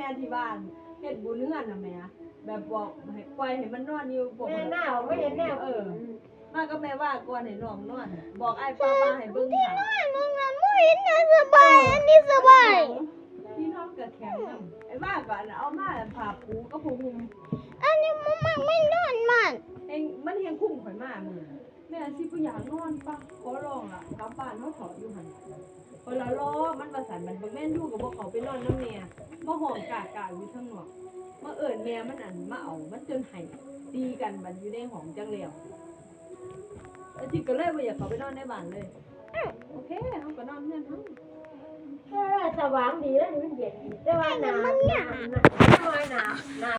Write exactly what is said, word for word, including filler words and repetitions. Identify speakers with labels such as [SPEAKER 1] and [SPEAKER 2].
[SPEAKER 1] ที่บ้านเฮ็ดบุญเฮือนน่ะแม่แบบบอกให้ปล่อยให้มันนอนอยู่บ่
[SPEAKER 2] แม่หน้าไม่เห็นแนว
[SPEAKER 1] เออมาก็แม่ว่าก่อนให้น้องนอนบอกไอ้ป้าป้าให้เบิ่งค่ะ
[SPEAKER 3] มึงน่ะมึงเห็นน่ะสบายอันนี้สบาย
[SPEAKER 1] พี่น้องก็แข็งนำไอ้ว่าก็เอามาผ้าปูก็ผูห่ม
[SPEAKER 3] อันนี้มึงมันไม่นอนมัน
[SPEAKER 1] เองมันเฮงคุ้มข่อยมามื้อแม่สิบ่อยากนอนปะขอร้องล่ะกลับบ้านเฮาถออยู่หั่นคนละล้อมันว่าสั่นมันบ่แม่นอยู่ก็บ่เข้าไปนอนนำแม่มาห้องกากาอยู่ข้างนอกมาเอิ้นแม่มันอันมาเอามันจนให้ตีกันบัดอยู่ในห้องจังแล้วไอ้ที่ก็เลยบ่อยากเข้าไปนอนในบ้านเลยโอเคเฮาก็นอนเฮือนเฮา
[SPEAKER 2] เออสว่างดีแล้วนี่มันเย็นดีแต่ว่าหนาวหนาวหนาวหนาว